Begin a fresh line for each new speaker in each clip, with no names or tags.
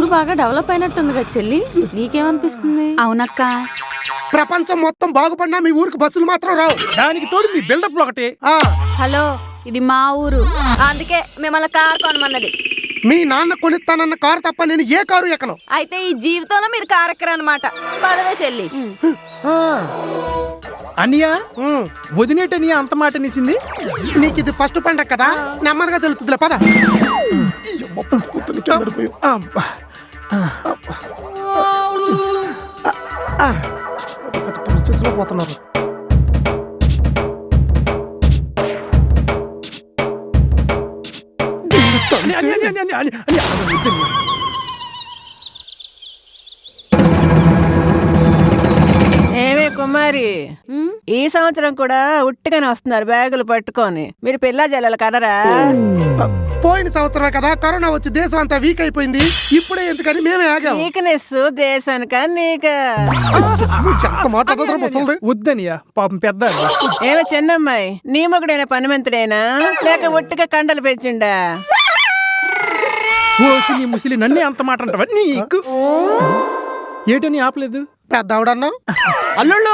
బాగా డెవలప్ అయినట్టుంది కదా చెల్లి, నీకేమనిపిస్తుంది?
అవునక్క.
ప్రపంచం మొత్తం బాగుపడినా మీ ఊరికి బస్సులు మాత్రం రావు.
దానికి తోడు మీ బిల్డప్ ఒకటి.
హలో, ఇది మా ఊరు.
అందుకే మిమ్మల్ని కారు కొనమన్నది.
మీ నాన్న కొనిస్తానన్న కారు తప్ప నేను ఏ కారు ఎక్కను.
అయితే ఈ జీవితంలో మీరు కారు ఎక్కరన్నమాట. పదవే చెల్లి.
అనియా వదినేటనియా అంత మాట నిసింది.
నీకు ఇది ఫస్ట్ పండగ కదా, నెమ్మదిగా తెలుస్తుందిలే పద. పోతున్నారు.
ఏమే కుమారి, ఈ సంవత్సరం కూడా ఉట్టిగానే వస్తున్నారు బ్యాగులు పట్టుకొని. మీరు పిల్ల జల్లలు కనరా?
పోయిన సంవత్సరమే కదా కరోనా వచ్చి దేశం అంతా వీక్ అయిపోయింది. ఇప్పుడే ఎందుకని మేమే ఆగాము.
వీక్నెస్ దేశానిక నీక?
వద్దనియా పాపం పెద్ద.
ఏమే చిన్నమ్మాయి, నీ మొగుడైనా పనిమంతుడైనా లేక ఒట్టిగా కండలు పెంచిండా?
ఓసి నీ ముసిలి నన్నే అంత మాట అంటావా? నీకు ఏటని ఆపలేదు.
పెద్ద ఆవిడన్నా
అల్లుళ్ళు,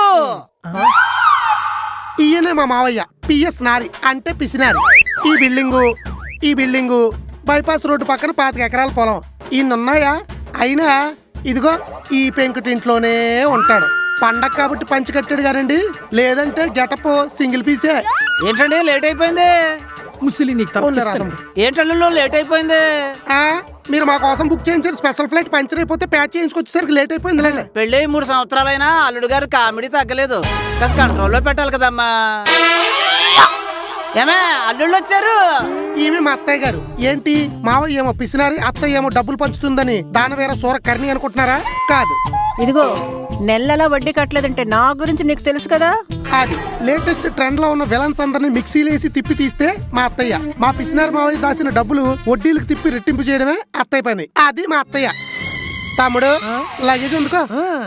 ఈయనే మా మావయ్య పిఎస్ నారి అంటే పిసినారి. ఈ బిల్డింగు బైపాస్ రోడ్డు పక్కన 25 ఎకరాల పొలం. ఈయనున్నాయా? అయినా ఇదిగో ఈ పెంకుటింట్లోనే ఉంటాడు. పండగ కాబట్టి పంచి కట్టాడు కానండి, లేదంటే గెటప్ సింగిల్ పీసే.
ఏంటండి లేట్ అయిపోయింది?
ముసిలి నీకు
ఏంటల్లు లేట్ అయిపోయింది?
మీరు మా కోసం బుక్ చేయించారు స్పెషల్ ఫ్లైట్, పంచర్ అయిపోతే ప్యాచ్ చేయించుకొచ్చేసరికి లేట్ అయిపోయింది.
పెళ్ళి 3 సంవత్సరాలైనా అల్లుడు గారు కామెడీ తగ్గలేదు. కాస్త కంట్రోల్లో పెట్టాలి కదమ్మా. ఏమే అల్లుళ్ళు వచ్చారు?
ఈమె మా అత్తయ్య గారు. ఏంటి మావయ్య ఏమో పిసినారి, అత్తయ్య ఏమో డబ్బులు పంచుతుందని దానవేర సూర కర్ణి అనుకుంటున్నారా? కాదు.
ఇదిగో నెలలా వడ్డీ కట్టలేదంటే నా గురించి నీకు తెలుసు కదా.
అది లేటెస్ట్ ట్రెండ్ లో ఉన్న విలన్స్ అందరినీ మిక్సీలేసి తిప్పి తీస్తే మా అత్తయ్య. మా పిసినారి మావయ్య దాచిన డబ్బులు వడ్డీలకు తిప్పి రెట్టింపు చేయడమే అత్తయ్య పని. అది మా అత్తయ్య. తమ్ముడు లగేజ్ ఉందికో.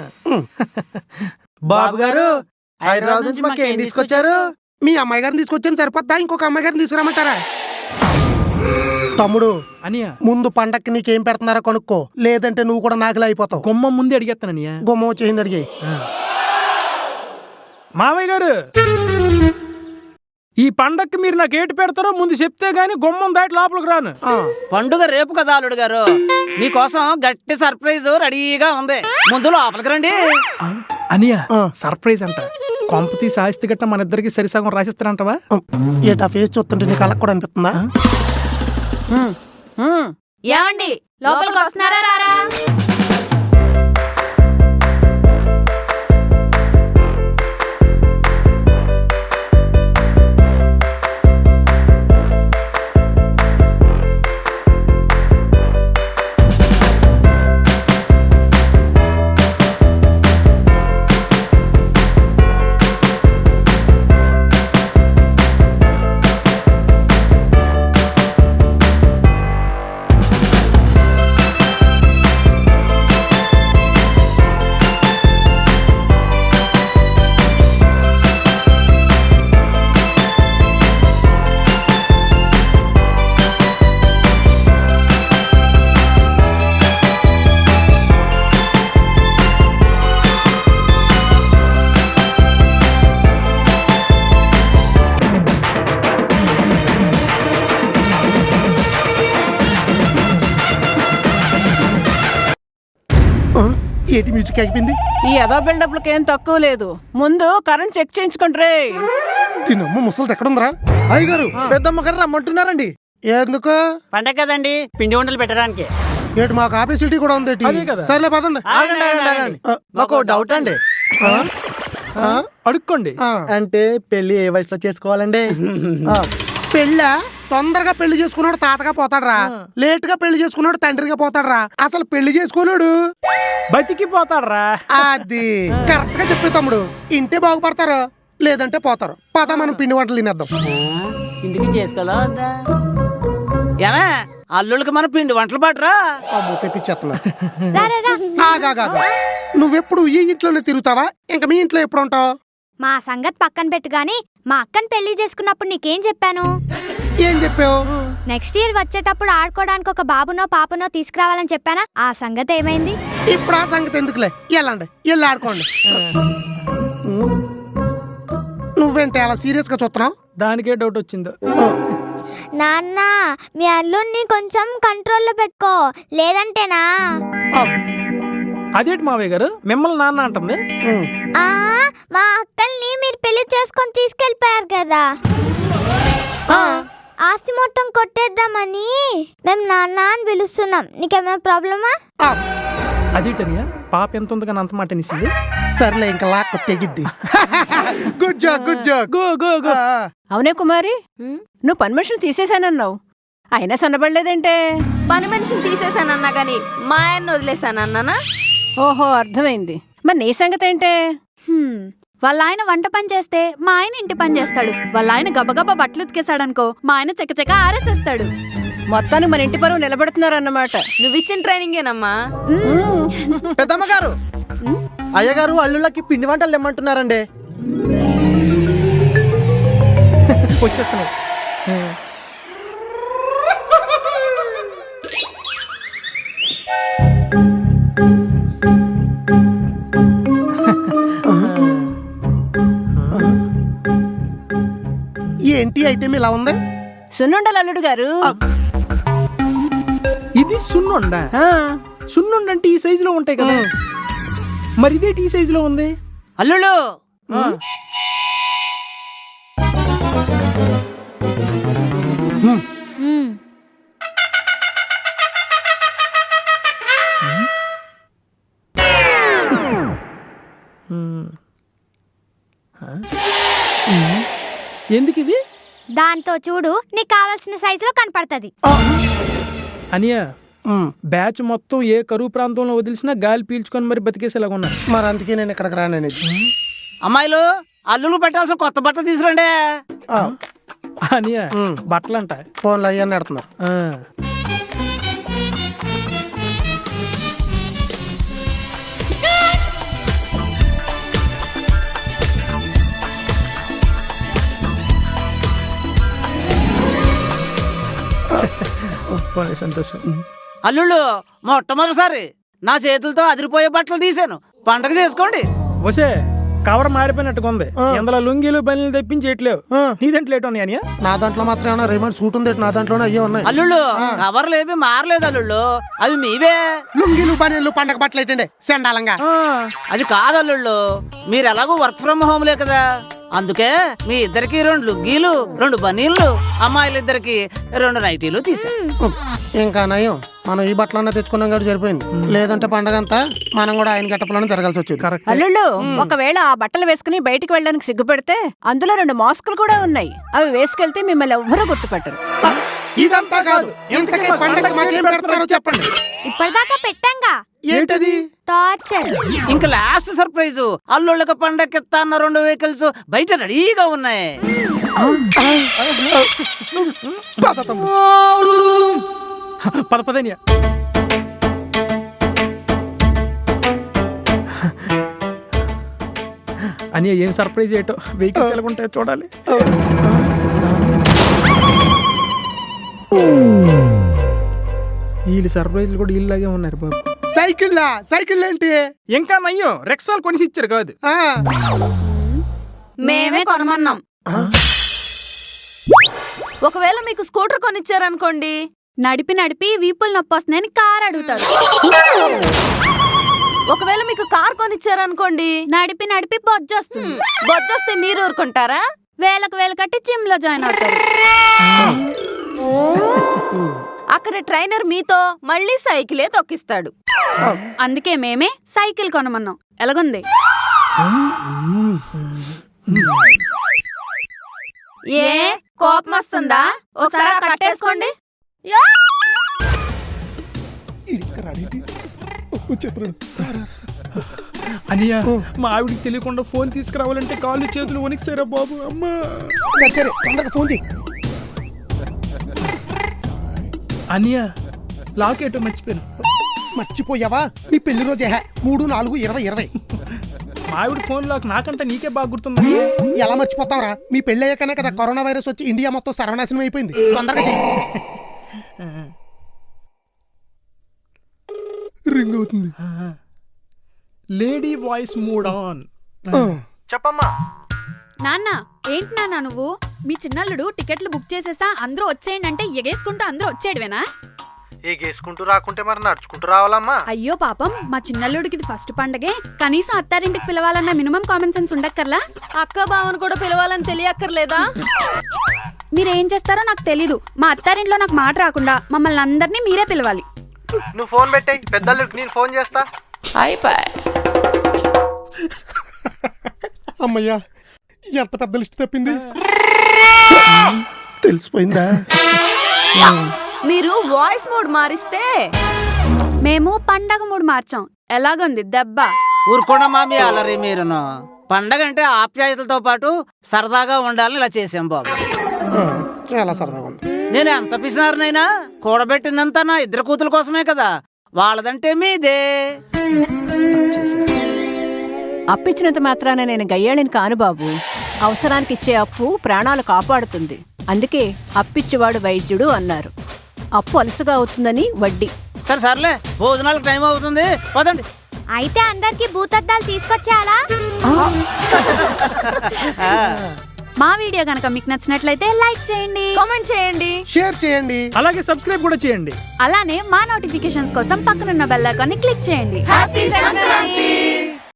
బాబు గారు హైదరాబాద్ నుంచి మాకు ఏం తీసుకొచ్చారు?
మీ అమ్మాయి గారిని తీసుకొచ్చాను సరిపోద్దా? ఇంకొక అమ్మాయి గారిని తీసుకురామంటారా? తమ్ముడు
అనియా
ముందు పండక్కి నీకేం పెడుతున్నారా కొనుక్కో, లేదంటే నువ్వు కూడా నాకులా అయిపోతావు.
గుమ్మ ముందే అడిగేస్తాననియా.
గుమ్మ వచ్చేసింది అడిగి.
మావయ్య గారు, ఈ పండక్కి మీరు నాకు ఏటి పెడతారో ముందు చెప్తే గానీ గుమ్మం దాటి లోపలికి రాను.
పండుగ రేపు కదా అల్లుడు గారు, మీకోసం గట్టి సర్ప్రైజ్ రెడీగా ఉంది. ముందు లోపలికి రండి.
అనియా సర్ప్రైజ్ అంట. కొంపతి సాహిత్య గట్ట మన ఇద్దరికి సరిసగం రాసిస్తారంటవా?
ఏటా ఫేస్ చూస్తుంటే నీకు అలా కూడా అనిపిస్తుందా?
ఏమండి లోపలికి వస్తున్నారా? రారా.
ఏటి మ్యూజిక్ అయిపోయింది.
ఈ అదో బిల్డప్లకి ఏం తక్కువ లేదు. ముందు కరెంట్ చెక్ చేయించుకుంటారే.
తినమ్మ ముసలిది ఎక్కడుందిరా? అయ్యగారు పెద్దమ్మ గారు రమ్మంటున్నారండి. ఎందుకు?
పండగ కదండి, పిండి వంటలు పెట్టడానికి.
ఏటు మాకు ఆఫీసిటీ కూడా ఉంది. సర్లే పదండి.
మాకు డౌట్ అండి.
అడుక్కోండి.
అంటే పెళ్లి ఏ వయసులో చేసుకోవాలండి?
పెళ్ళా? తొందరగా పెళ్లి చేసుకున్నాడు తాతగా పోతాడరా, లేట్ గా పెళ్లి చేసుకున్నాడు తండ్రిగా పోతాడరా, అసలు పెళ్లి చేసుకున్నాడు
బతికి పోతాడరా.
అది కరెక్ట్ గా చెప్పే తమ్ముడు. ఇంటే బాగుపడతారు, లేదంటే పోతారు. పద మనం పిండి వంటలు తినేద్దాం.
ఇంటికి చేసుకోవాలా?
ఏమే అల్లుళ్ళకి మన పిండి వంటలు పడరా?
తెప్పించేస్తున్నా. నువ్వెప్పుడు ఈ ఇంట్లోనే తిరుగుతావా? ఇంకా మీ ఇంట్లో ఎప్పుడు ఉంటావు?
మా సంగతి పక్కన పెట్టు గాని మా అక్కని పెళ్లి చేసుకున్నప్పుడు నీకేం చెప్పాను?
ఏం చెప్పావు?
నెక్స్ట్ ఇయర్ వచ్చేటప్పుడు ఆడుకోవడానికి ఒక బాబునో పాపనో తీసుకురావాలని చెప్పానా, ఆ సంగతి ఏమైంది?
ఇప్పుడు ఆ సంగతి ఎందుకులే, వెళ్ళండి వెళ్ళి ఆడుకోండి. నువ్వేంటి అలా సీరియస్ గా చూస్తున్నావు?
దానికే డౌట్ వచ్చిందో.
నాన్న, మీ అల్లుడిని కొంచెం కంట్రోల్లో పెట్టుకో, లేదంటేనా?
అదేంటి మావయ్య గారు మిమ్మల్ని నాన్న అంటుంది?
ఆ, మా అక్కల్ని మీరు పెళ్లి చేసుకొని తీసుకెళ్ళిపోయారు కదా, ఆస్తి మొత్తం కొట్టేద్దామని మేము నాన్న అని పిలుస్తున్నాం. నీకేమైనా ప్రాబ్లమా?
అదేంటనియా పాప ఎంత ఉంది కానీ అంత మాట నిసింది.
సర్లే ఇంకా లాక్ తెగిద్ది. గుడ్ జాక్ గుడ్ జాక్.
Go go go.
అవునే కుమారి, నువ్వు పని మనిషిని తీసేశానన్నావు, అయినా సన్నబడలేదంటే?
పని మనిషిని తీసేసానన్నా గాని మా ఆయన్ని వదిలేసానన్నానా?
ఓహో, అర్థమైంది. మరి నీ సంగతి ఏంటే?
వాళ్ళ ఆయన వంట పని చేస్తే మా ఆయన ఇంటి పని చేస్తాడు. వాళ్ళ ఆయన గబగబా బట్టలు ఉతికేసాడనుకో మా ఆయన చకచక ఆరేసేస్తాడు.
మొత్తానికి మన ఇంటి పరువు నిలబెడుతున్నారన్నమాట.
నువ్వు ఇచ్చిన ట్రైనింగేనమ్మా.
పెద్దమ్మ గారు, అయ్యగారు అల్లుళ్ళకి పిండి వంటలు తెమ్మంటున్నారండి.
వచ్చేస్తున్నాయి.
ఏంటి ఐటెం ఇలా ఉంది?
సున్నుండలు అల్లుడు గారు.
ఇది సున్నుండా?
ఆ,
సున్నుండంటే ఈ సైజులో ఉంటాయి కదా, మరి ఇదేంటి ఈ సైజులో ఉంది?
అల్లుళ్ళు
ఎందుకు ఇది?
దాంతో చూడు, నీకు కావాల్సిన సైజులో కనపడుతుంది.
అనియా బ్యాచ్ మొత్తం ఏ కరువు ప్రాంతంలో వదిలిసినా గాలి పీల్చుకొని మరి బతికేసేలాగా ఉన్నారు.
మరి అందుకే నేను ఇక్కడికి రాననేది.
అమ్మాయిలు అల్లుళ్ళు పెట్టాల్సిన కొత్త బట్టలు తీసుకురండి.
అనియా బట్టలంట
ఫోన్లు అయ్యని పెడుతున్నారు.
సంతోషం.
అల్లుళ్ళు మొట్టమొదటిసారి నా చేతులతో అదిరిపోయే బట్టలు తీసాను, పండగ చేసుకోండి.
వసే కవర్ మారిపోయినట్టుగా ఉంది. ఎందులో లుంగీలు బనీలు తెప్పించేయట్లేవు. నీ దాంట్లో ఏటో అనియా?
నా దాంట్లో మాత్రం ఏమన్నా రేమండ్ సూట్ ఉంది, నా దాంట్లోనే అయ్యే ఉన్నాయి.
అల్లుళ్ళు కవర్లు ఏమి మారలేదు అల్లుళ్ళు, అవి మీవే.
లుంగీలు బనీలు పండగ బట్టలు ఏంటండి సెండాలంగా?
అది కాదు అల్లుళ్ళు, మీరు ఎలాగో వర్క్ ఫ్రమ్ హోమ్లే కదా, అందుకే మీ ఇద్దరికి 2 లుగ్గీలు 2 బనీళ్ళు, అమ్మాయిలిద్దరికి 2 నైటీలు తీసాను.
ఇంకా నయం మనం ఈ బట్టలన్నా తెచ్చుకున్నాం కాబట్టి సరిపోయింది. లేదంటే పండగ అంతా మనం కూడా ఆయన గట్టపలోనే తిరగాల్సి వచ్చేది.
అల్లుళ్ళు ఒకవేళ ఆ బట్టలు వేసుకుని బయటికి వెళ్ళడానికి సిగ్గుపెడితే అందులో 2 మాస్కులు కూడా ఉన్నాయి, అవి వేసుకెళ్తే మిమ్మల్ని ఎవ్వరూ గుర్తుపట్టరు.
ఇదంతా కాదు, ఇంతకీ పండగ మాకేం పెడతారో చెప్పండి.
ఇప్పటిదాకా పెట్టంగా.
ఏంటది?
టార్చర్.
ఇంకా లాస్ట్ సర్ప్రైజ్, అల్లుళ్ళకి పండగకి ఇస్తా అన్న 2 వెహికల్స్ బయట రెడీగా ఉన్నాయి.
పద పదనియా. అని ఏం సర్ప్రైజ్ ఏటో, వెహికల్స్ ఎలా ఉంటాయో చూడాలి. వీళ్ళు సర్ప్రైజ్లు కూడా ఇల్లాగే ఉన్నారు బాబు.
సైకిల్ ఏంటి?
ఇంకా నయ్యో రెక్సాలు కొనిసి ఇచ్చారు కాదు,
మేమే కొనమన్నాం. ఒకవేళ మీకు స్కూటర్ కొనిచ్చారనుకోండి,
నడిపి నడిపి వీపులు నొప్పి వస్తున్నాయని కార్ అడుగుతారు.
ఒకవేళ మీకు కార్ కొనిచ్చారనుకోండి,
నడిపి నడిపి బొజ్జొస్తుంది.
బొచ్చొస్తే మీరు ఊరుకుంటారా?
వేలకు వేలు కట్టి జిమ్ లో జాయిన్ అవుతారు.
అక్కడ ట్రైనర్ మీతో మళ్ళీ సైకిలే తొక్కిస్తాడు.
అందుకే మేమే సైకిల్ కొనమన్నాం. ఎలాగుంది?
ఏ కోపం వస్తుందా? ఒకసారి కట్టేసుకోండి.
అనియా మా ఆవిడికి తెలియకుండా ఫోన్ తీసుకురావాలంటే కాళ్ళు చేతులు వణికిసారా బాబు. అమ్మా
సరే తొందరగా ఫోన్ చేయి.
అనియా లాక్ ఏటో మర్చిపోయాను.
మర్చిపోయావా? నీ పెళ్లి రోజే 3-4-20-20.
మా ఆవిడ ఫోన్ లాక్ నాకంటే నీకే బాగా గుర్తుంది.
ఎలా మర్చిపోతావరా? మీ పెళ్లి అయ్యాకనే కదా కరోనా వైరస్ వచ్చి ఇండియా మొత్తం సర్వనాశనం అయిపోయింది. తొందరగా చెయ్యి. రింగ్ అవుతుంది.
Lady voice mood on.
చెప్పమ్మా.
నాన్న ఏంటి నాన్న నువ్వు? మీ చిన్నల్లుడు టికెట్లు బుక్ చేసేసా అందరూ వచ్చేయండి అంటే ఎగేసుకుంటూ అందరూ వచ్చేయడమేనా?
గేసుకుంటూ రాకుంటే మరి నడుచుకుంటూ రావాలమ్మా.
అయ్యో పాపం, మా చిన్నల్లుడికి ఇది ఫస్ట్ పండగే. కనీసం అత్తారింటికి పిలవాలన్న మినిమం కామన్ సెన్స్ ఉండక్కర్లా?
అక్క బావను కూడా పిలవాలని తెలియక్కర్లేదా?
మీరేం చేస్తారో నాకు తెలీదు. మా అత్తారింట్లో నాకు మాట రాకుండా మమ్మల్ని అందరినీ మీరే పిలవాలి.
నువ్వు ఫోన్ పెట్టాయి, పెద్దల్లుడికి నేను ఫోన్ చేస్తా.
అమ్మయ్యా, ఎంత పెద్ద లిస్ట్ తప్పింది. తెలిసిపోయిందా?
మీరు వాయిస్ మోడ్ మారిస్తే
మేము పండగ మూడు మార్చాం. ఎలాగుంది దెబ్బ?
ఊరుకోండమ్మా మీ అలరి మీరును. పండగ అంటే ఆప్యాయతలతో పాటు సరదాగా ఉండాలని ఇలా చేసాం బాబు.
చాలా సరదాగా ఉంది.
నేను ఎంత పిసినారునైనా కూడబెట్టిందంతా నా ఇద్దరు కూతుల కోసమే కదా. వాళ్ళదంటే మీదే.
అప్పిచ్చినంత మాత్రాన నేను గయ్యాళిని కాను బాబు. అవసరానికి ఇచ్చే అప్పు ప్రాణాలు కాపాడుతుంది. అందుకే అప్పిచ్చేవాడు వైద్యుడు అన్నారు. అప్పు అలుసుగా అవుతుందని వడ్డీ.
సరే సర్లే, భోజనాలకు టైం అవుతుంది, పదండి.
అయితే అందరికి భూతద్దాలు తీసుకొచ్చేయాలా?
మా వీడియో కనుక మీకు నచ్చినట్లయితే లైక్ చేయండి,
కామెంట్ చేయండి,
షేర్ చేయండి.
అలాగే సబ్స్క్రైబ్ కూడా చేయండి.
అలానే మా నోటిఫికేషన్స్ కోసం పక్కనున్న బెల్ ఐకాన్ని క్లిక్ చేయండి.
హ్యాపీ సంక్రాంతి.